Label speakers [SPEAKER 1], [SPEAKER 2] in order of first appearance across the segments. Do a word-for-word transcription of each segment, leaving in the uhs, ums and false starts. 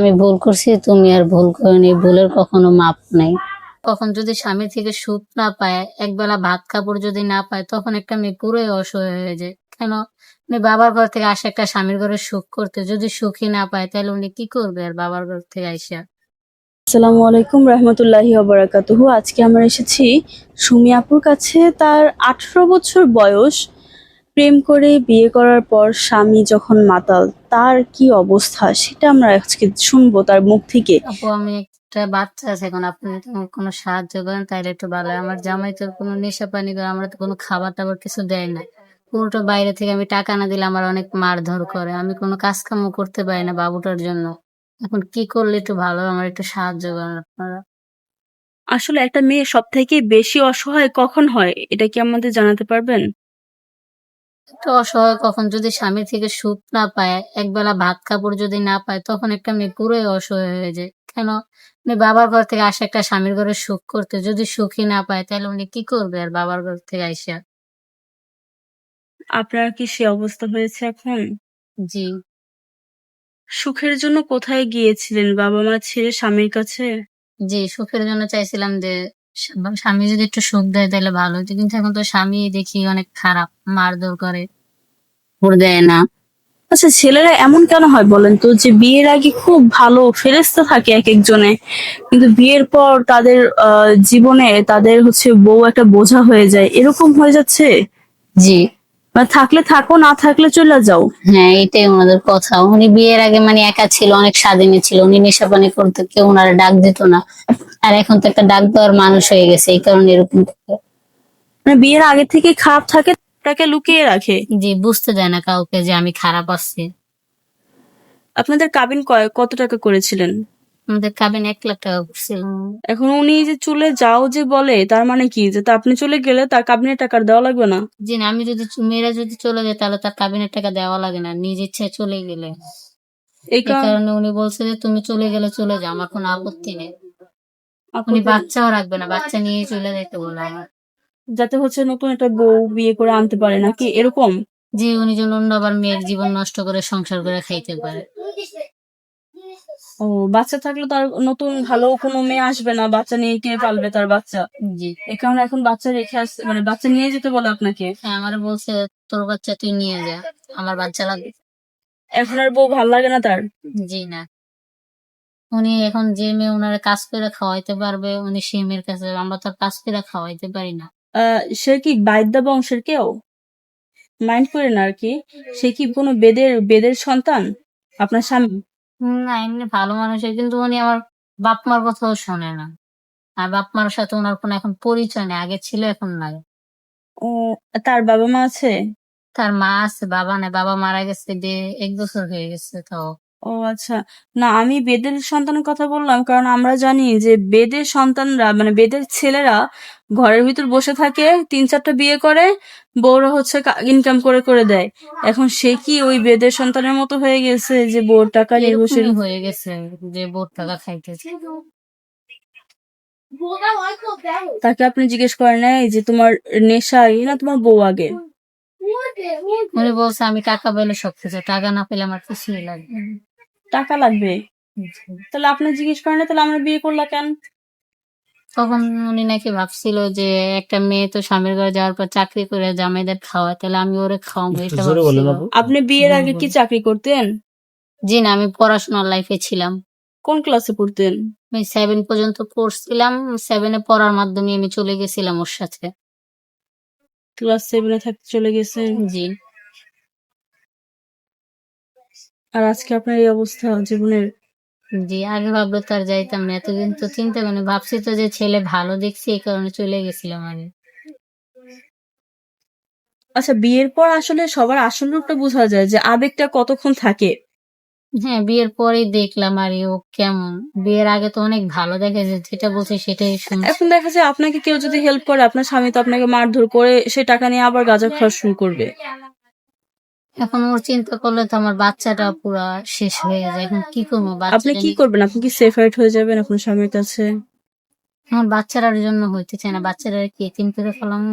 [SPEAKER 1] আমি ভুল করছি, তুমি আর ভুল করোনি, ভুলের কখনো মাপ নাই। কখন যদি স্বামী থেকে সুখ না পায়, একবেলা ভাত কাপড় যদি না পায়, তখন একটা মেয়ে পুরোই অসহায় হয়ে যায়। কেন? উনি বাবার ঘর থেকে আসে একটা স্বামীর ঘরে সুখ করতে, যদি সুখই না পায় তাহলে উনি কি করবে আর বাবার ঘর থেকে আইসা?
[SPEAKER 2] আসসালামু আলাইকুম রহমতুল্লাহি ওবারাকাতুহু। আজকে আমরা এসেছি সুমি আপুর কাছে। তার আঠারো বছর বয়স। প্রেম করে বিয়ে করার পর স্বামী যখন মাতাল, তার কি অবস্থা সেটা আমরা আজকে শুনবো তার মুখ থেকে।
[SPEAKER 1] আপু, আমি একটা বাচ্চা আছে, এখন আপনি যদি আমাকে কোনো সাহায্য করেন তাহলে একটু ভালো হয়। আমার জামাই তো কোনো নেশা পানি করে, আমরা তো কোনো খাবার টাবার কিছু দেয় না। পুরোটা বাইরে থেকে, আমি টাকা না দিলে আমার অনেক মারধর করে, আমি কোনো কাজ কামও করতে পারি না বাবুটার জন্য। এখন কি করলে একটু ভালো হয়? আমার একটু সাহায্য করেন আপনারা।
[SPEAKER 2] আসলে একটা মেয়ে সব থেকে বেশি অসহায় কখন হয়, এটা কি আমাদের জানাতে পারবেন?
[SPEAKER 1] একটু অসহায় কখন যদি স্বামী থেকে সুখ না পায়, একবেলা ভাত কাপড় যদি না পায়, তখন একটা মেয়ে পুরোই অসহায় হয়ে যায়। কেন? উনি বাবার ঘর থেকে আসে একটা স্বামীর ঘরে সুখ করতে, যদি সুখই না পায় তাহলে উনি কি করবে আর বাবার ঘর থেকে আইসা?
[SPEAKER 2] আপনার কি সে অবস্থা হয়েছে এখন?
[SPEAKER 1] জি।
[SPEAKER 2] সুখের জন্য কোথায় গিয়েছিলেন, বাবা মা ছেড়ে স্বামীর কাছে?
[SPEAKER 1] জি, সুখের জন্য চাইছিলাম যে স্বা- স্বামী যদি একটু সুখ দেয় তাহলে ভালো হতো, কিন্তু এখন তো স্বামী দেখি অনেক খারাপ, মারধর করে, ভোর দেয় না।
[SPEAKER 2] আচ্ছা, ছেলেরা এমন কেন হয় বলেন তো, যে বিয়ের আগে খুব ভালো ফেরেশতা থাকে এক একজনে, কিন্তু বিয়ের পর তাদের আহ, জীবনে তাদের হচ্ছে বউ একটা বোঝা হয়ে যায়, এরকম হয়ে যাচ্ছে?
[SPEAKER 1] জি।
[SPEAKER 2] মানে থাকলে থাকো, না থাকলে চলে যাও।
[SPEAKER 1] হ্যাঁ, এটাই ওনাদের কথা। উনি বিয়ের আগে মানে একা ছিল, অনেক স্বাধীনে ছিল, উনি নেশাপানি করতে, কেউ ওনারা ডাক দিত না। আর এখন তো একটা ডাক দেওয়ার মানুষ হয়ে গেছে, এই কারণে এরকম করে।
[SPEAKER 2] মানে বিয়ের আগে থেকে খারাপ থাকে, তাকে লুকিয়ে রাখে।
[SPEAKER 1] জি, বুঝতে দেয় না কাউকে যে আমি খারাপ আছি।
[SPEAKER 2] আপনাদের কাবিন কয় কত টাকা করেছিলেন?
[SPEAKER 1] আমাদের কাবিন এক লাখ টাকা করছিল।
[SPEAKER 2] এখন উনি যে চলে যাও যে বলে, তার মানে কি, যে তা আপনি চলে গেলে তার কাবিনের টাকা আর দেওয়া লাগবে না?
[SPEAKER 1] জি না, আমি যদি চ- মেয়েরা যদি চলে যায় তাহলে তার কাবিনের টাকা দেওয়া লাগে না, নিজ ইচ্ছায় চলে গেলে।
[SPEAKER 2] এই
[SPEAKER 1] এই
[SPEAKER 2] কারণ
[SPEAKER 1] কারণে উনি বলছে যে তুমি চলে গেলে চলে যাও, আমার কোনো আপত্তি নেই। উনি
[SPEAKER 2] আপনাদের
[SPEAKER 1] বাচ্চাও রাখবে না, বাচ্চা নিয়ে চলে যেতে বলে আমার।
[SPEAKER 2] যাতে হচ্ছে নতুন একটা বউ বিয়ে করে আনতে পারে নাকি, এরকম?
[SPEAKER 1] জি, উনি যেন অন্য আবার মেয়ের জীবন নষ্ট করে সংসার করে খাইতে পারে।
[SPEAKER 2] ও, বাচ্চা থাকলে তো আর নতুন ভালো কোনো মেয়ে আসবে না, বাচ্চা নিয়ে কে পালবে তার বাচ্চা?
[SPEAKER 1] জি।
[SPEAKER 2] এই কারণে এখন বাচ্চা রেখে আসতে, মানে বাচ্চা নিয়ে যেতে বলে আপনাকে?
[SPEAKER 1] হ্যাঁ, আমার বলছে তোর বাচ্চা তুই নিয়ে যা, আমার বাচ্চা লাগবে।
[SPEAKER 2] এখন আর বউ ভাল লাগে না তার?
[SPEAKER 1] জি না, উনি এখন যে মেয়ে ওনারা কাজ করে খাওয়াইতে পারবে, উনি সেই মেয়ের কাছে, আমরা তো আর কাজ করে খাওয়াইতে পারি না।
[SPEAKER 2] আহ সে কি বাইদ্যা বংশের কেউ? মাইন্ড করে না আর কি। সে কি কোনো বেদের বেদের সন্তান, আপনার স্বামী?
[SPEAKER 1] হুম, না এমনি ভালো মানুষের, কিন্তু উনি আমার বাপ মার কথাও শোনে না। আর বাপ মার সাথে ওনার কোনো এখন পরিচয় নেই, আগে ছিল এখন নাই।
[SPEAKER 2] ও, তার বাবা মা আছে?
[SPEAKER 1] তার মা আছে, বাবা নেই, বাবা মারা গেছে যে এক বছর হয়ে গেছে তাও।
[SPEAKER 2] ও আচ্ছা। না, আমি বেদের সন্তানের কথা বললাম কারণ আমরা জানি যে বেদের সন্তানরা, মানে বেদের ছেলেরা ঘরের ভিতর বসে থাকে, তিন চারটা বিয়ে করে, বউরা হচ্ছে ইনকাম করে করে দেয়। এখন সে কি ওই বেদের সন্তানের মতো হয়ে গেছে যে বউর টাকা নির্ভরশীল?
[SPEAKER 1] এরকমই হয়ে গেছে যে বোর টাকা খাইতেছে।
[SPEAKER 2] তাকে আপনি জিজ্ঞেস করেন নাই যে তোমার নেশা আগে না তোমার বউ আগে?
[SPEAKER 1] উনি বলছে আমি টাকা পেলে সবকিছু, টাকা না পেলে আমার কিছুই লাগবে না।
[SPEAKER 2] টাকা লাগবে?
[SPEAKER 1] জি।
[SPEAKER 2] তাহলে আপনি জিজ্ঞেস করেন না, তাহলে আমরা বিয়ে করলা কেন?
[SPEAKER 1] তখন উনি নাকি ভাবছিল যে একটা মেয়ে তো স্বামীর ঘরে যাওয়ার পর চাকরি করে জামাইদের খাওয়ায়, তাহলে আমি ওরে খাওয়াবো, এটা ভাবছিল।
[SPEAKER 2] আপনি বিয়ের আগে কি
[SPEAKER 1] বুলবুল।
[SPEAKER 2] চাকরি করতেন?
[SPEAKER 1] জি না, আমি পড়াশোনার লাইফে ছিলাম।
[SPEAKER 2] কোন ক্লাসে পড়তেন?
[SPEAKER 1] আমি সেভেন পর্যন্ত পড়ছিলাম, সেভেনে পড়ার মাধ্যমে আমি চলে গেছিলাম ওর সাথে।
[SPEAKER 2] ক্লাস সেভেনে থাকতে চলে গেছেন?
[SPEAKER 1] জি।
[SPEAKER 2] আর আজকে আপনার এই অবস্থা জীবনের?
[SPEAKER 1] জি, আগে ভাবলে তো আর যাইতাম না, এতদিন তো চিন্তা করিনি, ভাবছি তো যে ছেলে ভালো দেখছি এই কারণে চলে গেছিলাম আগে।
[SPEAKER 2] আচ্ছা, বিয়ের পর আসলে সবার আসল রূপটা বোঝা যায়, যে আবেগটা কতক্ষণ থাকে।
[SPEAKER 1] হ্যাঁ, বিয়ের পরেই দেখলাম আর ও কেমন। বিয়ের আগে তো অনেক ভালো দেখে, যে যেটা বলছে সেটাই শুনছি।
[SPEAKER 2] এখন দেখা যায় আপনাকে কেউ যদি হেল্প করে, আপনার স্বামী তো আপনাকে মারধর করে সে টাকা নিয়ে আবার গাঁজা খাওয়া শুরু করবে।
[SPEAKER 1] এখন ওর চিন্তা করলে তো আমার বাচ্চাটা পুরা শেষ হয়ে যায়, এখন কি করবো
[SPEAKER 2] আপনি
[SPEAKER 1] বাচ্চাটা
[SPEAKER 2] কি
[SPEAKER 1] নিয়ে?
[SPEAKER 2] করবেন? আপনি কি সেপারেট হয়ে যাবেন আপনার স্বামীর কাছে?
[SPEAKER 1] আমার বাচ্চাটার জন্য হইতে চায় না, বাচ্চাটা কি এতিম করে ফেলামো?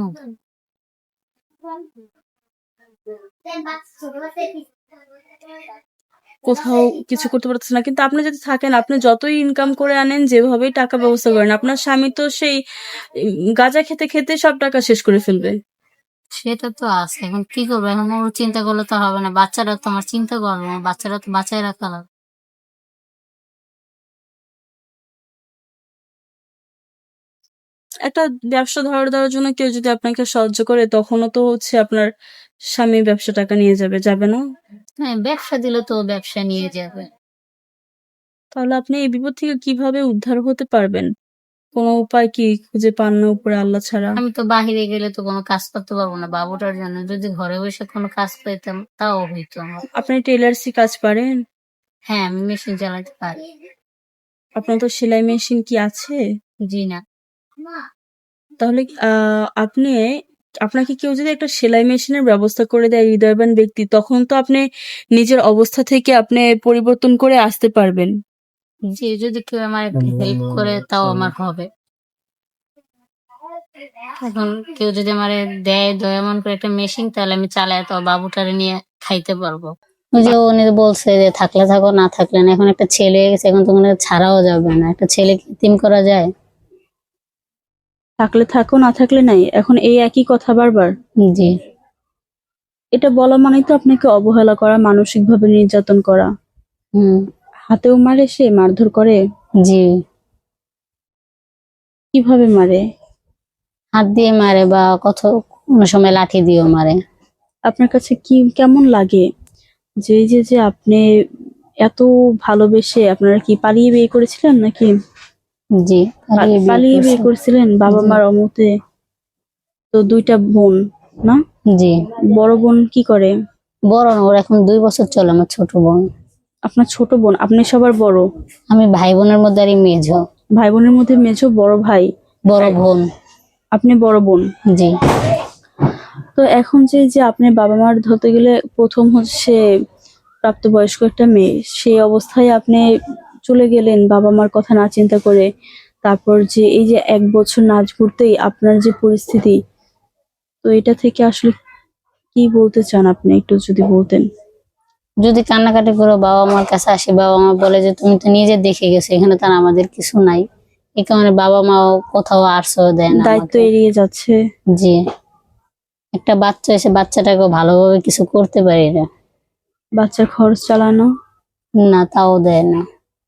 [SPEAKER 2] কোথাও কিছু করতে পারতেছেন না, কিন্তু আপনি যদি থাকেন, আপনি যতই ইনকাম করে আনেন, যেভাবেই টাকা ব্যবস্থা করেন, আপনার স্বামী তো সেই উম, গাঁজা খেতে খেতে সব টাকা শেষ করে ফেলবে।
[SPEAKER 1] সেটা তো আছে, এখন কি করবো? এখন ওর চিন্তা করলে তো হবে না, বাচ্চারা তো আমার চিন্তা করবো, বাচ্চারা তো বাঁচায় রাখা লাগবে।
[SPEAKER 2] একটা ব্যবসা ধরে দেওয়ার জন্য কেউ যদি আপনাকে সাহায্য করে, তখনও তো হচ্ছে আপনার স্বামী ব্যবসা টাকা নিয়ে যাবে, যাবে না?
[SPEAKER 1] হ্যাঁ, ব্যবসা দিলে তো ও ব্যবসা নিয়ে যাবে।
[SPEAKER 2] তাহলে আপনি এই বিপদ থেকে কিভাবে উদ্ধার হতে পারবেন? কোনো উপায় কি খুঁজে পান না উপরে আল্লাহ ছাড়া?
[SPEAKER 1] আমি তো বাহিরে গেলে তো কোনো কাজ করতে পারবো না বাবুটার জন্য, যদি ঘরে বসে কোনো কাজ পেতাম তাও হইতো আমার।
[SPEAKER 2] আপনি টেলার্সি কাজ পারেন?
[SPEAKER 1] হ্যাঁ, আমি মেশিন চালাতে পারি।
[SPEAKER 2] আপনার তো সেলাই মেশিন কি আছে?
[SPEAKER 1] জি না।
[SPEAKER 2] তাহলে আহ, আপনি আপনাকে কেউ যদি একটা সেলাই মেশিনের ব্যবস্থা করে দেয়, হৃদয়বান ব্যক্তি, তখন তো আপনি নিজের অবস্থা থেকে আপনি পরিবর্তন করে আসতে পারবেন।
[SPEAKER 1] জি, যদি কেউ আমার একটু হেল্প করে তাও আমার হবে। এখন কেউ যদি আমার দেয় দয়া মন করে একটা মেশিন, তাহলে আমি চালাই তো বাবুটারে নিয়ে খাইতে পারবো। ওই যে উনি বলছে যে থাকলে থাকো না থাকলে না, এখন একটা ছেলে হয়ে গেছে, এখন তো মনে হয় ছাড়াও যাবে না, একটা ছেলেকে এতিম করা যায়?
[SPEAKER 2] থাকলে থাকো, না থাকলে নাই, এখন এই একই কথা বারবার।
[SPEAKER 1] জি।
[SPEAKER 2] এটা বলা মানেই তো আপনাকে অবহেলা করা, মানসিকভাবে নির্যাতন করা।
[SPEAKER 1] হুম।
[SPEAKER 2] হাতেও মারে, সে মারধর করে।
[SPEAKER 1] জি।
[SPEAKER 2] কিভাবে মারে?
[SPEAKER 1] হাত দিয়ে মারে বা কত, কোনো সময় লাঠি দিয়েও মারে।
[SPEAKER 2] আপনার কাছে কি কেমন লাগে যে এই যে যে আপনি এত ভালোবেসে, আপনারা কি পালিয়ে বিয়ে করেছিলেন নাকি?
[SPEAKER 1] জি,
[SPEAKER 2] পা-
[SPEAKER 1] পালিয়ে বিয়ে
[SPEAKER 2] পালিয়ে বিয়ে
[SPEAKER 1] করছে।
[SPEAKER 2] করেছিলেন বাবা
[SPEAKER 1] জি।
[SPEAKER 2] মার অমতে? তো দুইটা বোন না?
[SPEAKER 1] জি।
[SPEAKER 2] বড় বোন কি করে?
[SPEAKER 1] বড় না, ওর এখন দুই বছর চলে, আমার ছোট বোন।
[SPEAKER 2] আপনার ছোট বোন, আপনি সবার বড়?
[SPEAKER 1] আমি ভাই বোনের মধ্যে আরই মেঝো।
[SPEAKER 2] ভাই বোনের মধ্যে মেঝো, বড় ভাই?
[SPEAKER 1] বড় বোন।
[SPEAKER 2] আপনি বড় বোন।
[SPEAKER 1] জি।
[SPEAKER 2] তো এখন যে যে আপনি বাবা মার ধরতে গেলে প্রথম হচ্ছে প্রাপ্তবয়স্ক একটা মেয়ে, সেই অবস্থায় আপনি চলে গেলেন বাবা মার কথা না চিন্তা করে। তারপর যে এই যে এক বছর নাচ ঘুরতেই আপনার যে পরিস্থিতি, তো এটা থেকে আসলে কি বলতে চান আপনি, একটু যদি বলতেন।
[SPEAKER 1] যদি কান্নাকাটি করে বাবা মার কাছে আসি, বাবা মা বলে যে তুমি তো নিজে দেখে গেছো, এখানে তো আর আমাদের কিছু নাই। এই কারণে বাবা মাও কোথাও আশ্রয় দেয় না
[SPEAKER 2] দায়িত্ব
[SPEAKER 1] আমাকে।
[SPEAKER 2] এড়িয়ে যাচ্ছে।
[SPEAKER 1] জি। একটা বাচ্চা এসে বাচ্চাটাকে ভালোভাবে কিছু করতে পারি না।
[SPEAKER 2] বাচ্চার খরচ চালানো,
[SPEAKER 1] না, তাও দেয় না।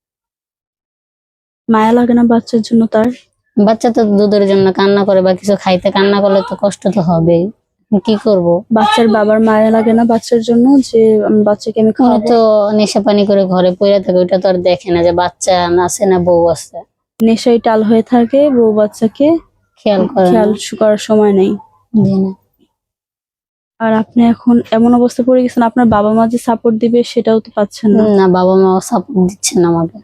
[SPEAKER 2] মায়া লাগে না বাচ্চার জন্য তার?
[SPEAKER 1] বাচ্চা তো দুধের জন্য কান্না করে বা কিছু খাইতে কান্না করলে তো কষ্ট তো হবেই, কি করব?
[SPEAKER 2] বাচ্চার বাবার মায়া লাগে না বাচ্চার জন্য, যে আমি বাচ্চাকে আমি
[SPEAKER 1] উনি
[SPEAKER 2] খাওয়াবো?
[SPEAKER 1] তো নেশা পানি করে ঘরে পড়ে থাকে, ওইটা তো আর দেখে না যে বাচ্চা আছে না বউ আছে।
[SPEAKER 2] নেশায় টাল হয়ে থাকে, বউ বাচ্চাকে
[SPEAKER 1] খেয়াল করে
[SPEAKER 2] খেয়াল
[SPEAKER 1] না।
[SPEAKER 2] করার সময় নেই।
[SPEAKER 1] জি না।
[SPEAKER 2] আর আপনি এখন এমন অবস্থা পড়ে গেছেন, আপনার বাবা মা যে সাপোর্ট দিবে সেটাও তো পাচ্ছেন না।
[SPEAKER 1] না, বাবা মাও সাপোর্ট দিচ্ছে না আমাকে।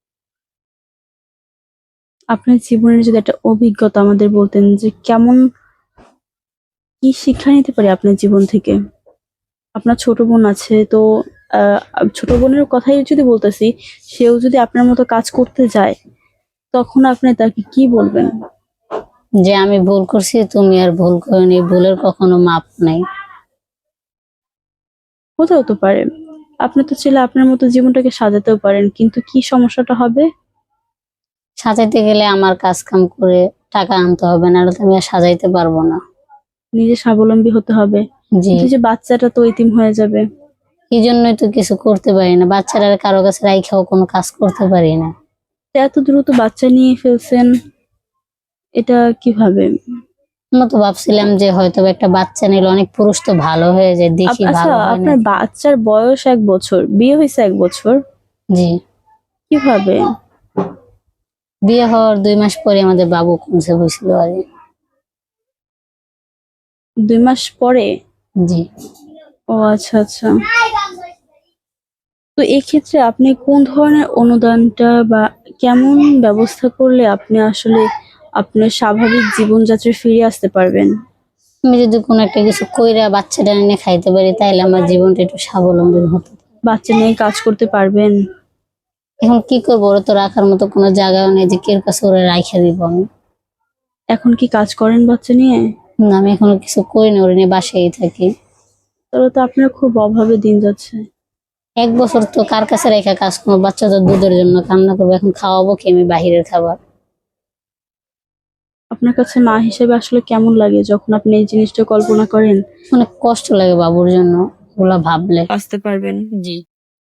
[SPEAKER 2] আপনার জীবনের যদি একটা অভিজ্ঞতা আমাদের বলতেন, যে কেমন, কি শিক্ষা নিতে পারি আপনার জীবন থেকে? আপনার ছোট বোন আছে তো, আহ, ছোট বোনের কথাই যদি বলতেছি, সেও যদি আপনার মতো কাজ করতে যায়, তখন আপনি তাকে কি বলবেন?
[SPEAKER 1] যে আমি ভুল করছি, তুমি আর ভুল করনি, ভুলের কখনো মাপ নাই।
[SPEAKER 2] হতেও তো পারে, আপনি তো চাইলে আপনার মতো জীবনটাকে সাজাতেও পারেন, কিন্তু কি সমস্যাটা হবে?
[SPEAKER 1] সাজাইতে গেলে আমার কাজ কাম করে টাকা আনতে হবে, না তো আমি আর সাজাইতে পারবো না।
[SPEAKER 2] নিজে স্বাবলম্বী হতে হবে।
[SPEAKER 1] জি।
[SPEAKER 2] কিন্তু যে বাচ্চাটা তো এতিম হয়ে যাবে।
[SPEAKER 1] এই জন্যই তো কিছু করতে পারি না, বাচ্চারা কারো কাছে রাইখাও কোনো কাজ করতে পারি না।
[SPEAKER 2] তো এত দ্রুত বাচ্চা নিয়ে ফেলছেন, এটা কিভাবে?
[SPEAKER 1] আমরা তো ভাবছিলাম যে হয়তো বা একটা বাচ্চা নিলে অনেক পুরুষ তো ভালো হয়ে যায়, দেখি
[SPEAKER 2] আপ- আচ্ছা,
[SPEAKER 1] ভালো হয় না।
[SPEAKER 2] আপনার বাচ্চার বয়স এক বছর, বিয়ে হয়েছে এক বছর,
[SPEAKER 1] জি।
[SPEAKER 2] কিভাবে?
[SPEAKER 1] বিয়ে হওয়ার দুই মাস পরে আমাদের বাবু কমছে হয়েছিল আর কি।
[SPEAKER 2] দুই মাস পরে?
[SPEAKER 1] জি।
[SPEAKER 2] ও আচ্ছা আচ্ছা। তো এক্ষেত্রে আপনি কোন ধরনের অনুদানটা বা কেমন ব্যবস্থা করলে আপনি আসলে আপনার স্বাভাবিক জীবনযাত্রায় ফিরে আসতে পারবেন?
[SPEAKER 1] আমি যদি কোনো একটা কিছু কইরা বাচ্চাটা এনে খাইতে পারি, তাইলে আমার জীবনটা একটু স্বাবলম্বী হতো।
[SPEAKER 2] বাচ্চা নিয়ে কাজ করতে পারবেন?
[SPEAKER 1] এখন কি করবো, ওরা তো রাখার মতো কোনো জায়গাও নেই যে কের কাছে ওরা রাইখা দিব আমি।
[SPEAKER 2] এখন কি কাজ করেন বাচ্চা নিয়ে?
[SPEAKER 1] না, আমি এখনো কিছু করি না, ওরা নিয়ে বাসায় থাকি।
[SPEAKER 2] তাহলে তো আপনার খুব অভাবে দিন যাচ্ছে।
[SPEAKER 1] এক বছর তো কার কাছে রেখে কাজ করবো, বাচ্চা তো দুধের জন্য কান্না করবো, এখন খাওয়াবো কি আমি বাহিরের খাবার?
[SPEAKER 2] আপনার কাছে মা হিসেবে আসলে কেমন লাগে যখন আপনি এই জিনিসটা কল্পনা করেন?
[SPEAKER 1] অনেক কষ্ট লাগে বাবুর জন্য ওগুলা ভাবলে।
[SPEAKER 2] আসতে পারবেন।
[SPEAKER 1] জি।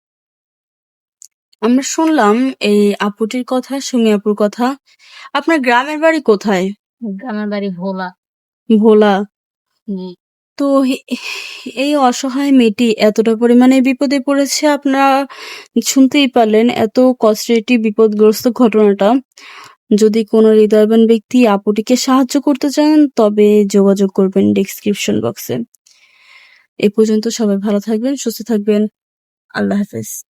[SPEAKER 2] আমরা শুনলাম এই আপুটির কথা, সুমি আপুর কথা। আপনার গ্রামের বাড়ি কোথায়?
[SPEAKER 1] গ্রামের বাড়ি ভোলা।
[SPEAKER 2] ভোলা।
[SPEAKER 1] জি।
[SPEAKER 2] তো হে- এই অসহায় মেয়েটি এতটা পরিমাণে বিপদে পড়েছে, আপনারা শুনতেই পারলেন এত কষ্টের একটি বিপদগ্রস্ত ঘটনাটা। যদি কোনো হৃদয়বান ব্যক্তি আপুটিকে সাহায্য করতে চান তবে যোগাযোগ করবেন ডেসক্রিপশন বক্সে। এ পর্যন্ত সবাই ভালো থাকবেন, সুস্থ থাকবেন। আল্লাহ হাফেজ।